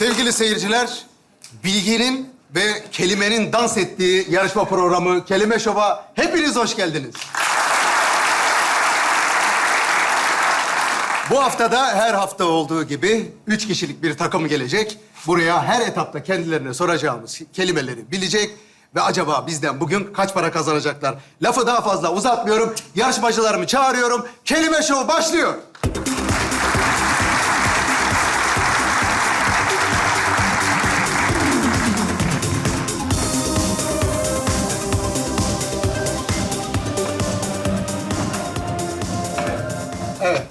Sevgili seyirciler, bilginin ve kelimenin dans ettiği yarışma programı Kelime Şov'a hepiniz hoş geldiniz. Bu haftada her hafta olduğu gibi 3 kişilik bir takım gelecek. Buraya her etapta kendilerine soracağımız kelimeleri bilecek ve acaba bizden bugün kaç para kazanacaklar? Lafı daha fazla uzatmıyorum. Yarışmacılarımı çağırıyorum. Kelime Şov başlıyor. Evet.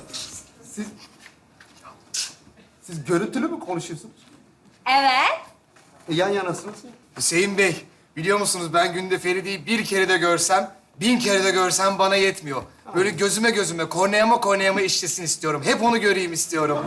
Siz görüntülü mü konuşuyorsunuz? Evet. Yan yanasınız. Hüseyin Bey, biliyor musunuz ben günde Feride'yi bir kere de görsem, 1000 kere de görsem bana yetmiyor. Böyle gözüme, korneama işlesin istiyorum. Hep onu göreyim istiyorum.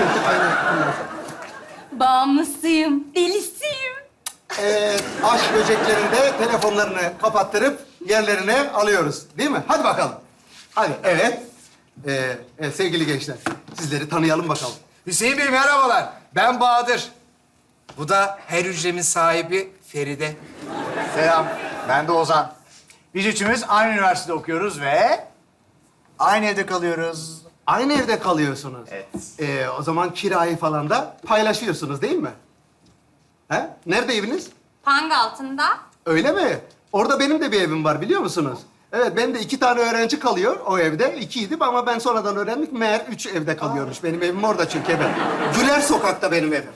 Bağımlısıyım, delisiyim. Aşk böceklerinde telefonlarını kapattırıp yerlerine alıyoruz. Değil mi? Hadi bakalım. Hadi, evet. Evet, sevgili gençler, sizleri tanıyalım bakalım. Hüseyin Bey merhabalar, ben Bahadır. Bu da her hücremin sahibi Feride. Selam, ben de Ozan. Biz üçümüz aynı üniversitede okuyoruz ve aynı evde kalıyoruz. Aynı evde kalıyorsunuz. Evet. O zaman kirayı falan da paylaşıyorsunuz değil mi? He? Nerede eviniz? Pang altında. Öyle mi? Orada benim de bir evim var biliyor musunuz? Evet, benim de 2 tane öğrenci kalıyor o evde. 2'ydi ama ben sonradan öğrendik. Meğer 3 evde kalıyormuş. Benim evim orada çünkü evet. Güler Sokak'ta benim evim.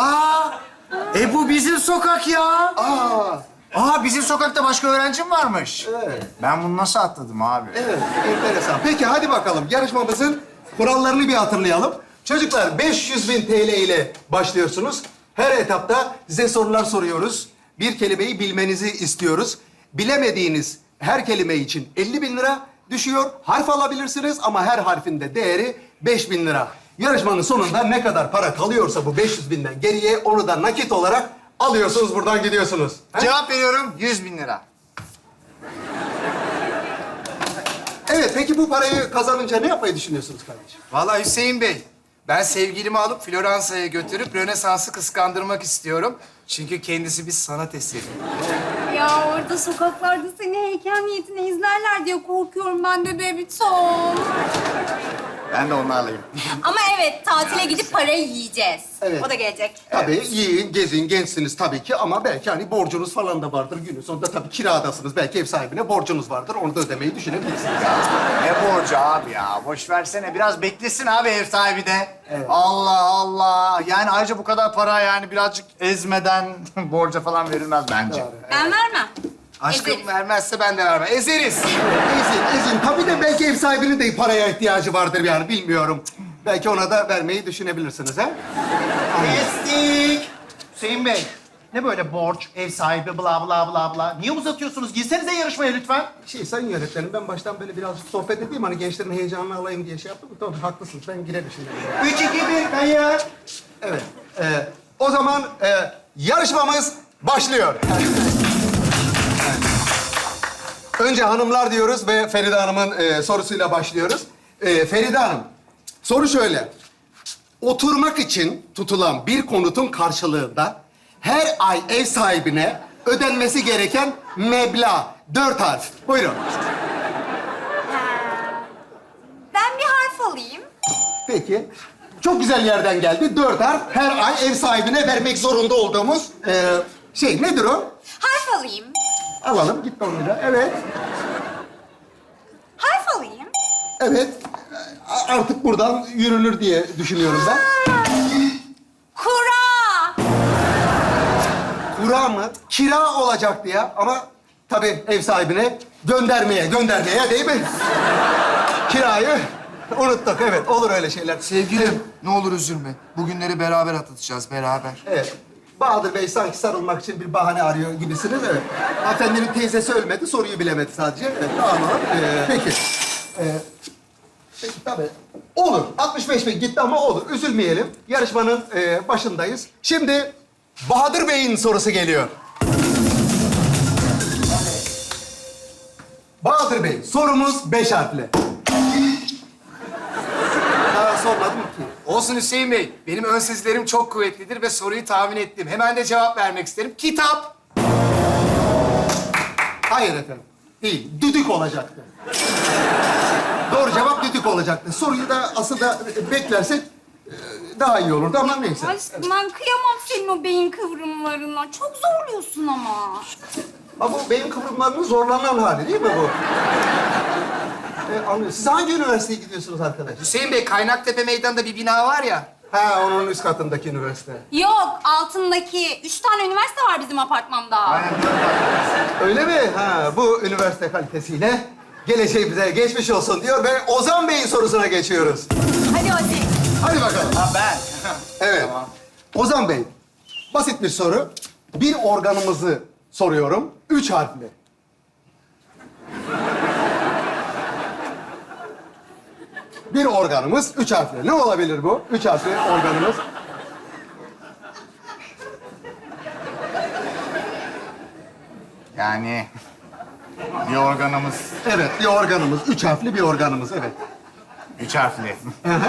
Bu bizim sokak ya. Aa, Bizim sokakta başka öğrencim varmış. evet. Ben bunu nasıl atladım abi? Evet, enteresan. Peki hadi bakalım. Yarışmamızın kurallarını bir hatırlayalım. Çocuklar 500.000 TL ile başlıyorsunuz. Her etapta size sorular soruyoruz. Bir kelimeyi bilmenizi istiyoruz. Bilemediğiniz her kelime için 50.000 lira düşüyor. Harf alabilirsiniz ama her harfinde değeri 5.000 lira. Yarışmanın sonunda ne kadar para kalıyorsa bu 500.000'den geriye onu da nakit olarak alıyorsunuz, buradan gidiyorsunuz. He? Cevap veriyorum, 100.000 lira. Evet, peki bu parayı kazanınca ne yapmayı düşünüyorsunuz kardeşim? Vallahi Hüseyin Bey, ben sevgilimi alıp Floransa'ya götürüp Rönesans'ı kıskandırmak istiyorum. Çünkü kendisi bir sanat eseri. Ya orada sokaklarda seni heykel niyetine izlerler diye korkuyorum ben de Bebitom. Ben de onu alayım. Ama evet, tatile gidip parayı yiyeceğiz. Evet. O da gelecek. Tabii yiyin, gezin, gençsiniz tabii ki ama belki hani borcunuz falan da vardır günün sonunda. Tabii kiradasınız, belki ev sahibine borcunuz vardır. Onu da ödemeyi düşünebilirsiniz. Ne borcu abi ya? Boş versene. Biraz beklesin abi ev sahibi de. Evet. Allah Allah. Yani ayrıca bu kadar para yani birazcık ezmeden borca falan verilmez bence. Ben vermem. Aşkım Ezeriz. vermezse ben de vermem. Ezeriz. Ezin. Tabii de belki ev sahibinin de paraya ihtiyacı vardır yani bilmiyorum. Belki ona da vermeyi düşünebilirsiniz ha? Kestik. Hüseyin Bey, ne böyle borç, ev sahibi, bla bla bla bla. Niye uzatıyorsunuz? Girsenize yarışmaya lütfen. Sayın yönetmenim, ben baştan böyle biraz sohbet edeyim. Hani gençlerin heyecanını alayım diye şey yaptım. Tabii haklısınız, ben girerim şimdi. 3, 2, 1, kayıt. Evet. O zaman yarışmamız başlıyor. Önce hanımlar diyoruz ve Feride Hanım'ın sorusuyla başlıyoruz. Feride Hanım, soru şöyle. Oturmak için tutulan bir konutun karşılığında her ay ev sahibine ödenmesi gereken meblağ. 4 harf. Buyurun. Ben bir harf alayım. Peki. Çok güzel yerden geldi. 4 harf. Her ay ev sahibine vermek zorunda olduğumuz nedir o? Harf alayım. Alalım. Gitti 10 lira. Evet. Harf alayım. Evet. Artık buradan yürünür diye düşünüyorum ben. Kura. Kura mı? Kira olacaktı ya. Ama tabii ev sahibine göndermeye değil mi? Kirayı unuttuk. Evet, olur öyle şeyler. Sevgilim, ne olur üzülme. Bugünleri beraber atlatacağız, beraber. Evet. Bahadır Bey sanki sarılmak için bir bahane arıyor gibisiniz. Evet. Hanımefendinin teyzesi ölmedi, soruyu bilemedi sadece. Evet, tamam. Peki. Peki tabii. Olur. 65 bin gitti ama olur. Üzülmeyelim. Yarışmanın başındayız. Şimdi Bahadır Bey'in sorusu geliyor. Bahadır Bey, sorumuz 5 harfli. Daha sormadım ki. Olsun Hüseyin Bey. Benim ön sezilerim çok kuvvetlidir ve soruyu tahmin ettim. Hemen de cevap vermek isterim. Kitap. Hayır efendim. Değil. Düdük olacaktı. Doğru cevap düdük olacaktı. Soruyu da aslında beklersek daha iyi olurdu ama neyse. Aşkım ben kıyamam senin o beyin kıvrımlarına. Çok zorluyorsun ama. Ha bu beyin kıvrımlarının zorlanan hali değil mi bu? Anlıyorum. Siz hangi üniversiteye gidiyorsunuz arkadaş? Hüseyin Bey, Kaynaktepe Meydanı'nda bir bina var ya. Ha, onun üst katındaki üniversite. Yok, altındaki 3 tane üniversite var bizim apartmanda. Öyle mi? Ha, bu üniversite kalitesiyle geleceğimize geçmiş olsun diyor ve Ozan Bey'in sorusuna geçiyoruz. Hadi hadi. Hadi bakalım. Ha ben. Evet. Ozan Bey, basit bir soru. Bir organımızı soruyorum. 3 harfli. Bir organımız 3 harfli. Ne olabilir bu? 3 harfli organımız. Yani bir organımız Evet, bir organımız. 3 harfli bir organımız, evet. 3 harfli. Evet.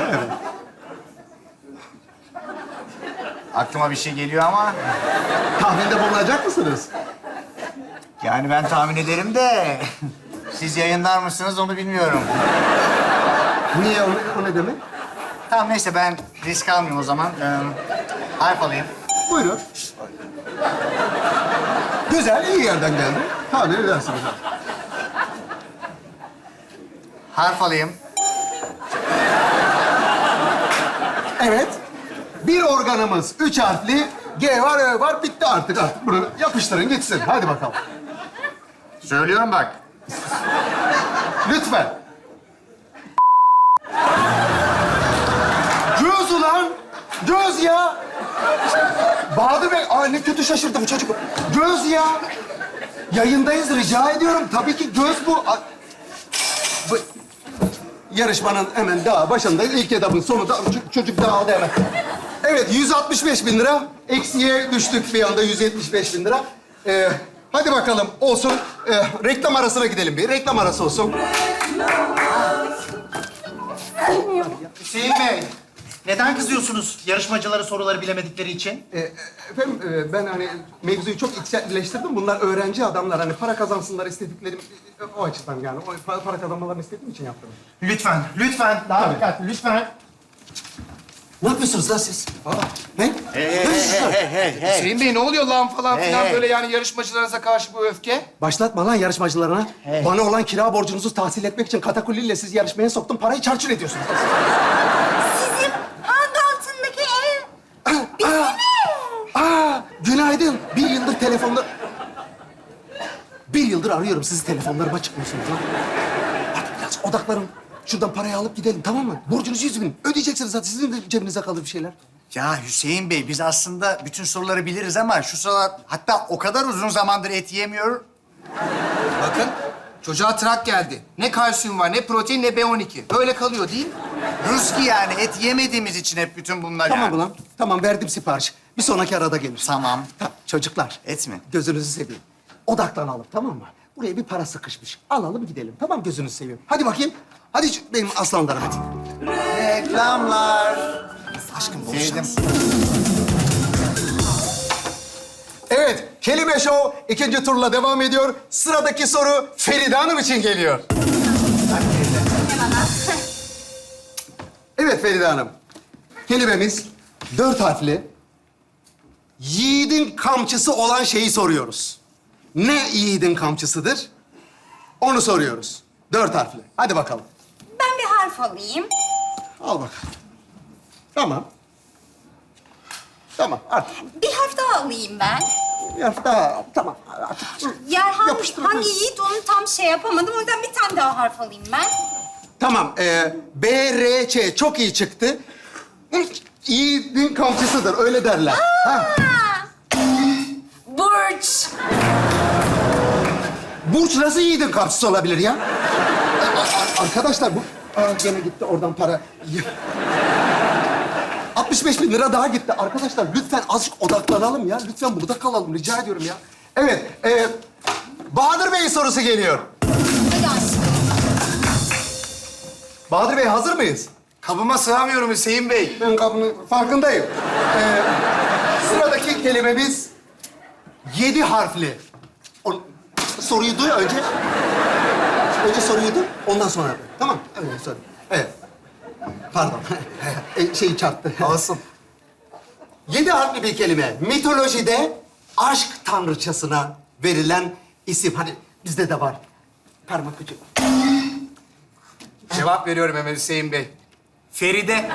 Aklıma bir şey geliyor ama Tahminde bulunacak mısınız? yani ben tahmin ederim de siz yayınlar mısınız onu bilmiyorum. Niye? O ne demek? Tamam neyse ben risk almayayım o zaman. Harf alayım. Buyurun. Güzel, iyi yerden geldi. Tahmin edersiniz. Harf alayım. Evet. Bir organımız 3 harfli. G var, Ö var. Bitti artık. Bunu yapıştırın gitsin. Hadi bakalım. Söylüyorum bak. Lütfen. Göz ulan. Göz ya. Bahadır Bey, ne kötü şaşırdı bu çocuk. Göz ya. Yayındayız, rica ediyorum. Tabii ki göz bu. Bu yarışmanın hemen daha başındayız. İlk etapın sonunda çocuk dağıldı hemen. Evet, 165.000 lira. Eksiye düştük bir anda 175.000 lira. Hadi bakalım, olsun. Reklam arasına gidelim bir. Reklam arası olsun. Hüseyin Bey, neden kızıyorsunuz yarışmacılara soruları bilemedikleri için? Efendim, ben hani mevzuyu çok içselleştirdim. Bunlar öğrenci adamlar. Hani para kazansınlar istediklerim o açıdan yani. O para kazanmalarını istediğim için yaptım. Lütfen, lütfen. Daha dikkatli, lütfen. Ne yapıyorsunuz lan siz? Ne? Hey. Hüseyin Bey, ne oluyor lan falan Hey, filan hey. böyle yani yarışmacılarınıza karşı bu öfke? Başlatma lan yarışmacılarına. Bana olan kira borcunuzu tahsil etmek için katakulliyle sizi yarışmaya soktum. Parayı çarçur ediyorsunuz. Sizin hangi altındaki ev? Günaydın. Bir yıldır telefonda... Bir yıldır arıyorum sizi, telefonlarıma çıkmıyorsunuz lan. Hadi biraz odaklanın. Şuradan parayı alıp gidelim, tamam mı? Borcunuz 100.000. Ödeyeceksiniz zaten. Sizin de cebinize kalır bir şeyler. Ya Hüseyin Bey biz aslında bütün soruları biliriz ama şu sıralar hatta o kadar uzun zamandır et yemiyor. Bakın, çocuğa trak geldi. Ne kalsiyum var, ne protein, ne B12. Böyle kalıyor değil mi? Ruski yani et yemediğimiz için hep bütün bunlar Tamam yani. ulan. Tamam, verdim sipariş. Bir sonraki arada gelir. Tamam. Çocuklar. Et mi? Gözünüzü seveyim. Odaklanalım, tamam mı? Buraya bir para sıkışmış. Alalım gidelim. Tamam, gözünüzü seveyim. Hadi bakayım. Hadi benim aslanlarım hadi. Reklamlar. Aşkım Sevdim. Evet, Kelime Show ikinci turla devam ediyor. Sıradaki soru Feride Hanım için geliyor. Evet Feride Hanım. Kelimemiz 4 harfli. Yiğidin kamçısı olan şeyi soruyoruz. Ne yiğidin kamçısıdır? Onu soruyoruz. 4 harfli. Hadi bakalım. Ben bir harf alayım. Al bakalım. Tamam. Tamam, artık. Bir harf daha alayım ben. Bir harf daha. Tamam, artık. Yer Yapıştır. hangi yiğit onu tam şey yapamadım. O yüzden bir tane daha harf alayım ben. Tamam, B, R, Ç çok iyi çıktı. Yiğidin kamçısıdır, öyle derler. Ha. Burç. Burç nasıl yiğidin kamçısı olabilir ya? Arkadaşlar bu... Gene gitti oradan para. 65.000 lira daha gitti. Arkadaşlar lütfen azıcık odaklanalım ya. Lütfen burada kalalım, rica ediyorum ya. Evet, Bahadır Bey'in sorusu geliyor. Hadi aşkım. Bahadır Bey hazır mıyız? Kabıma sığamıyorum Hüseyin Bey. Ben kabının farkındayım. Sıradaki kelimemiz 7 harfli. Soruyu duy önce. Önce soruyu duy, ondan sonra. Tamam, öyle soru. Evet. Pardon. Şeyi çarptı. Olsun. 7 harfli bir kelime. Mitolojide aşk tanrıçasına verilen isim. Hani bizde de var. Parmak ucu. Cevap veriyorum hemen Hüseyin Bey. Feride.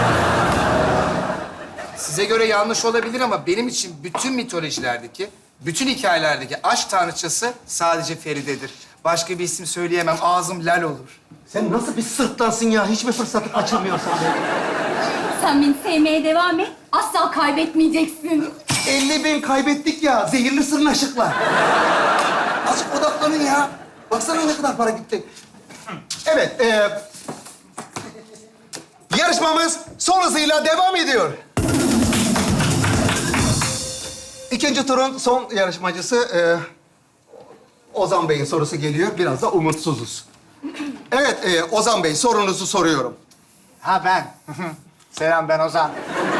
Size göre yanlış olabilir ama benim için bütün mitolojilerdeki, bütün hikayelerdeki aşk tanrıçası sadece Feride'dir. Başka bir isim söyleyemem. Ağzım lal olur. Sen nasıl bir sırtlansın ya? Hiçbir fırsatı kaçırmıyorsun be. Sen beni sevmeye devam et. Asla kaybetmeyeceksin. 50.000 kaybettik ya. Zehirli sırnaşıklar. Azıcık odaklanın ya. Baksana ne kadar para gitti. Evet, yarışmamız son hızıyla devam ediyor. İkinci turun son yarışmacısı Ozan Bey'in sorusu geliyor. Biraz da umutsuzuz. Evet, Ozan Bey sorunuzu soruyorum. Ha ben. Selam ben Ozan.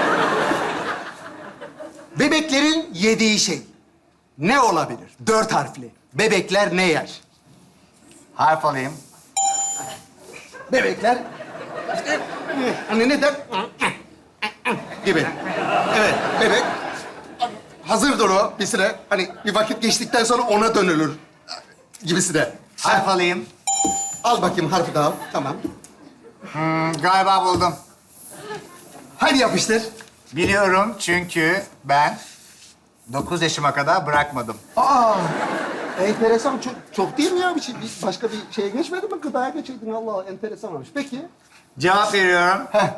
Bebeklerin yediği şey ne olabilir? 4 harfli. Bebekler ne yer? Harf alayım. Bebekler işte hani ne der? Gibi. Evet, bebek hazırdır o bir süre. Hani bir vakit geçtikten sonra ona dönülür gibisi de. Harf alayım. Al bakayım harfi daha. Tamam. Galiba buldum. Hadi yapıştır. Biliyorum çünkü ben 9 yaşıma kadar bırakmadım. Aa, enteresan. Çok değil mi ya? Bir başka bir şeye geçmedi mi? Gıdaya geçeydin. Allah enteresan olmuş. Peki. Cevap veriyorum. Heh.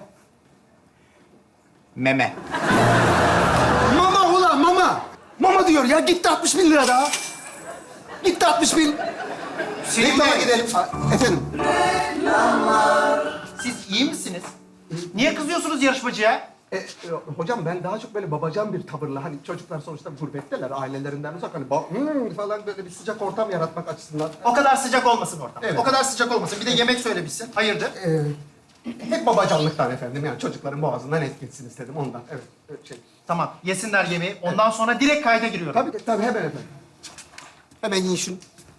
Meme. Mama ulan mama. Mama diyor ya. Gitti 60.000 lira daha. Gitti 60.000. Reklama gidelim. Efendim. Siz iyi misiniz? Niye kızıyorsunuz yarışmacıya? Hocam ben daha çok böyle babacan bir tavırla hani çocuklar sonuçta gurbetteler ailelerinden uzak hani falan böyle bir sıcak ortam yaratmak açısından O kadar sıcak olmasın ortam. Evet. O kadar sıcak olmasın. Bir de yemek söylemişsin. Hayırdır? hep babacanlıktan efendim yani çocukların boğazından et gitsin istedim ondan evet şey. Tamam. Yesinler yemeği. Ondan sonra direkt kayda giriyorum. Tabii hemen efendim. Hemen yiyin şunu.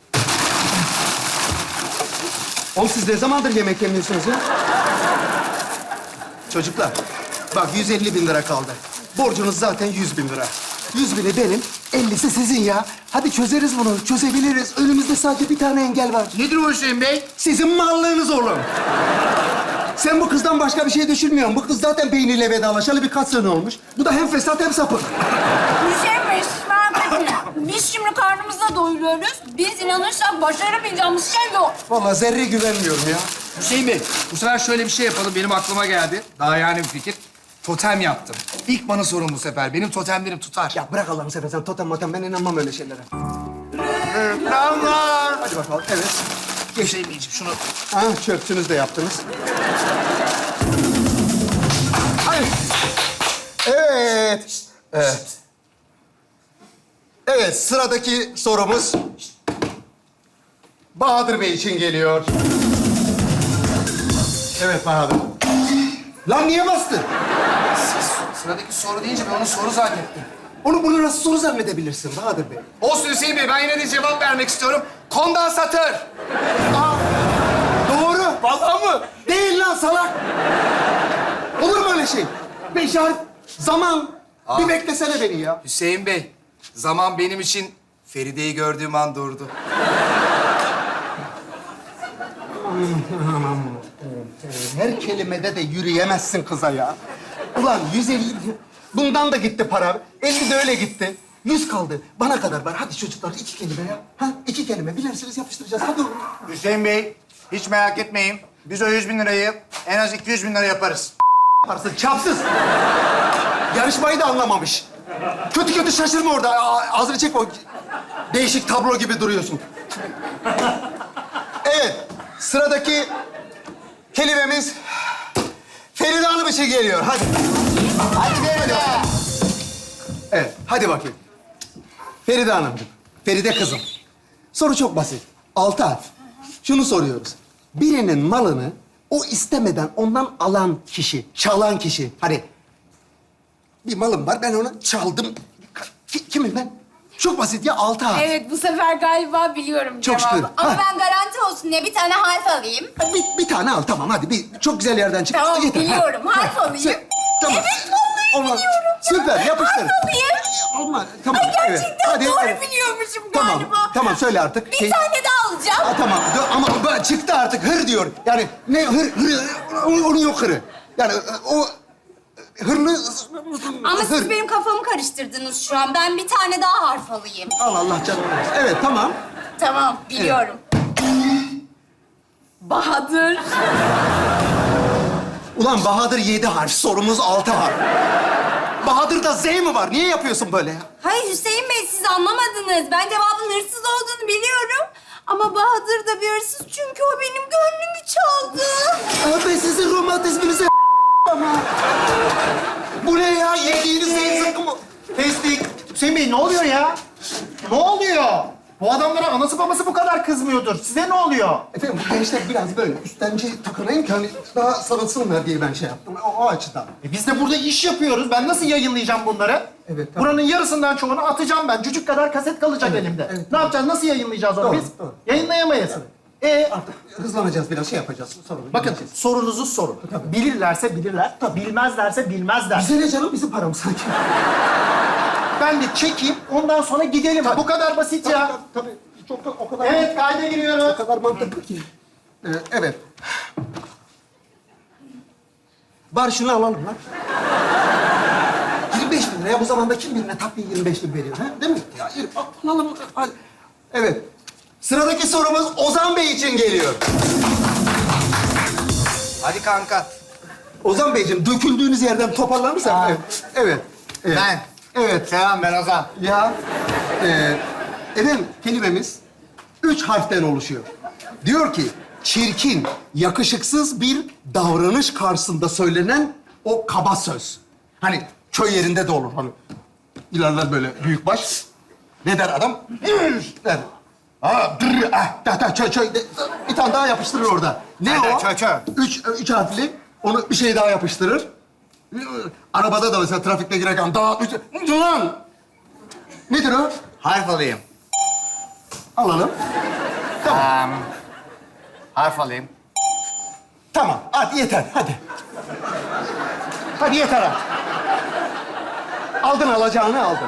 Oğlum siz ne zamandır yemek yemiyorsunuz ya? Çocuklar, bak 150.000 lira kaldı. Borcunuz zaten 100.000 lira. 100.000'i benim, 50'si sizin ya. Hadi çözeriz bunu, çözebiliriz. Önümüzde sadece bir tane engel var. Nedir o Hüseyin Bey? Sizin mallığınız oğlum. Sen bu kızdan başka bir şey düşünmüyorsun. Bu kız zaten beyniyle vedalaşalı birkaç sene olmuş. Bu da hem fesat hem sapık. Bir şey mi? Merak etme. Biz şimdi karnımızla doyuruyoruz. Biz inanırsak başaramayacağımız şey yok. Vallahi zerre güvenmiyorum ya. Hüseyin Bey, bu sefer şöyle bir şey yapalım. Benim aklıma geldi. Daha yani bir fikir. Totem yaptım. İlk bana sorun bu sefer. Benim totemlerim tutar. Ya bırak Allah'ını seversen totem motem ben inanmam öyle şeylere. Reklamlar. Hadi bakalım evet. Hüseyin Beyciğim şunu... Ha çöpçünüz de yaptınız. Ay. Evet. Evet. Evet sıradaki sorumuz Bahadır Bey için geliyor. Evet Bahadır. Lan niye bastın? Sıradaki soru deyince ben onu soru zannettim. Bunu nasıl soru zannedebilirsin Bahadır Bey? Olsun Hüseyin Bey, ben yine de cevap vermek istiyorum. Kondansatör. Doğru. Vallahi mı? Değil lan salak. Olur mu öyle şey? Beş harf, zaman. Bir beklesene beni ya. Hüseyin Bey, zaman benim için Feride'yi gördüğüm an durdu. Her kelimede de yürüyemezsin kıza ya. Ulan 150... Bundan da gitti para. 50 de öyle gitti. 100 kaldı. Bana kadar var. Hadi çocuklar 2 kelime ya. Ha 2 kelime. Bilersiniz yapıştıracağız. Hadi oğlum. Hüseyin Bey, hiç merak etmeyin. Biz o 100.000 lirayı en az 200.000 lira yaparız. Yaparsın çapsız. Yarışmayı da anlamamış. Kötü şaşırma orada. Ağzını çek o. Değişik tablo gibi duruyorsun. Evet. Sıradaki kelimemiz Feride Hanım için geliyor. Hadi. Hadi Feride. Evet, hadi bakayım. Feride Hanımcığım, Feride kızım. Soru çok basit. 6 harf. Şunu soruyoruz. Birinin malını o istemeden ondan alan kişi, çalan kişi. Hani bir malım var, ben onu çaldım. Kimim ben? Çok basit ya, 6 harf. Evet, bu sefer galiba biliyorum Çok cevabı. şükür. Ama Ha. ben garanti olsun diye bir tane harf alayım. Bir tane al, tamam hadi. Çok güzel yerden çık. Tamam, Yeter, ha. biliyorum. Harf alayım. Tamam. Evet, vallahi Olmaz. biliyorum. Süper, yapıştır. Harf alayım. Olmaz, tamam. Ay, gerçekten Hadi, doğru evet. biliyormuşum Tamam, galiba. tamam söyle artık. Bir tane daha alacağım. Ha, tamam ama çıktı artık hır diyor. Yani ne hır, onun yok hırı. Yani o hırlı... Ama hır. siz benim kafamı karıştırdınız şu an. Ben bir tane daha harf alayım. Allah canım. Evet, tamam. Tamam, biliyorum. Bahadır. Ulan Bahadır 7 harf, sorumuz 6 harf. Bahadır'da Z mi var? Niye yapıyorsun böyle ya? Hayır Hüseyin Bey, siz anlamadınız. Ben cevabın hırsız olduğunu biliyorum. Ama Bahadır da bir hırsız çünkü o benim gönlümü çaldı. Ben sizin romantizminize ama. Bu ne ya? Yediğiniz Z zıkkı mı? Kestik. Hüseyin Bey ne oluyor ya? Ne oluyor? Bu adamlara anası babası bu kadar kızmıyordur. Size ne oluyor? Efendim bu gençler biraz böyle üstenci takınayım ki hani daha sarılsınlar diye ben şey yaptım. O açıdan. Biz de burada iş yapıyoruz. Ben nasıl yayınlayacağım bunları? Evet, tamam. Buranın yarısından çoğunu atacağım ben. Cücük kadar kaset kalacak elimde. evet, Ne yapacağız? Nasıl yayınlayacağız onu Doğru, biz? doğru. Yayınlayamayız. Artık hızlanacağız biraz, şey yapacağız. Sorun. Bakın sorunuzu sorun. Bilirlerse bilirler, bilmezlerse bilmezler. Bize ne canım? Bizim param sanki. Ben de çekeyim, ondan sonra gidelim. Bu kadar basit ya. Tabii. Çok da o kadar... Evet, kayda giriyoruz. O kadar mantıklı ki. Evet. Var şunu alalım lan. 25 bin liraya bu zamanda kim birine takviye 25 bin veriyor? Ha? Değil mi? Ya, alalım. Hadi. Evet. Sıradaki sorumuz Ozan Bey için geliyor. Hadi kanka. Ozan Beyciğim, döküldüğünüz yerden toparlanırsak... Evet. Evet. Evet. Ben. Evet. Selam, ben Ozan. Ya, efendim kelimemiz 3 harften oluşuyor. Diyor ki, çirkin, yakışıksız bir davranış karşısında söylenen o kaba söz. Hani köy yerinde de olur hani. İlerler böyle büyükbaş. Ne der adam? Der. Bir tane daha yapıştırır orada. Ne Aynen, o? çö. Üç harfli. Onu bir şey daha yapıştırır. Arabada da mesela trafikte girerken daha... Lan! Nedir o? Harf alayım. Alalım. Tamam. Harf alayım. Tamam. Hadi yeter. Hadi. Hadi yeter ha. Aldın alacağını aldın.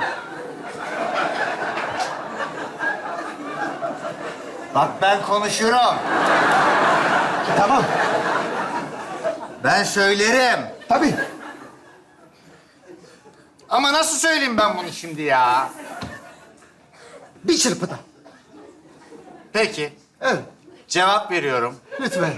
Bak ben konuşurum. Tamam. Ben söylerim. Tabii. Ama nasıl söyleyeyim ben bunu şimdi ya? Bir çırpıda. Peki, Evet. cevap veriyorum. Lütfen.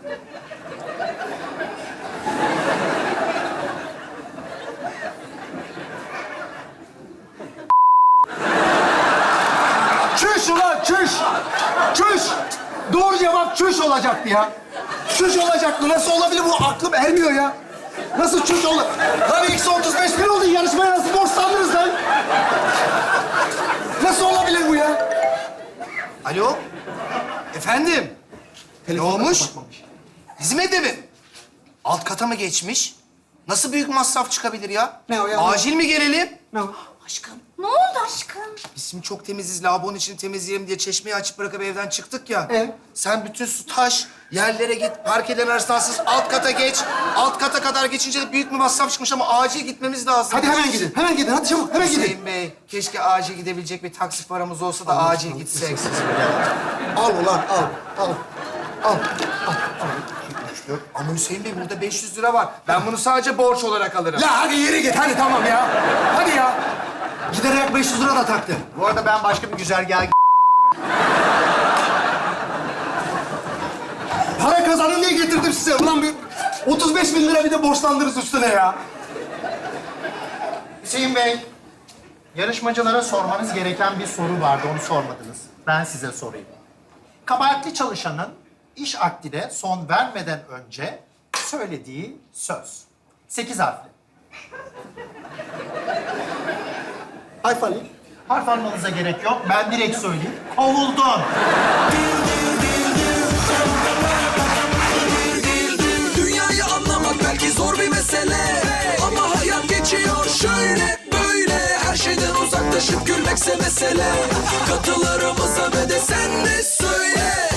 Çüş ulan çüş. Çüş. Doğru cevap çüş olacaktı ya. Çüş olacaktı. Nasıl olabilir bu? Aklım ermiyor ya. Nasıl çüş olur? Lan eksi 35 bin oldu. Yarışmaya nasıl borçlandınız lan? Nasıl olabilir bu ya? Alo. Efendim. Ne olmuş? Kapatmamış. Hizmet evi. Alt kata mı geçmiş? Nasıl büyük masraf çıkabilir ya? Ne o ya? Acil mi gelelim? Ne o? Aşkım. Ne oldu aşkım? Biz şimdi çok temiziz, lavabonun içini temizleyelim diye çeşmeyi açıp bırakıp evden çıktık ya. Evet. Sen bütün su taş, yerlere git, parkeden arasındasız alt kata geç. Alt kata kadar geçince de büyük bir masraf çıkmış ama acil gitmemiz lazım. Hadi hemen gidin. Hemen gidin. Hadi çabuk. Hemen gidin. Hüseyin Bey, keşke acil gidebilecek bir taksi paramız olsa da acil gitsek. Al ulan al. Al. Al. Ama Hüseyin Bey burada 500 lira var. Ben bunu sadece borç olarak alırım. Ya hadi yere git. Hadi tamam ya. Hadi ya. Giderek 500 lira da taktı. Bu arada ben başka bir güzergaha Para kazanın diye getirdim size. Ulan bir 35 bin lira bir de borçlandınız üstüne ya. Hüseyin Bey, yarışmacılara sormanız gereken bir soru vardı. Onu sormadınız. Ben size sorayım. Kabahatli çalışanın iş akdine son vermeden önce söylediği söz. 8 harfli. Harf alayım. Harf almanıza gerek yok. Ben direkt söyleyeyim. Kovuldun. mesele. Katılarımıza ve de sen de söyle.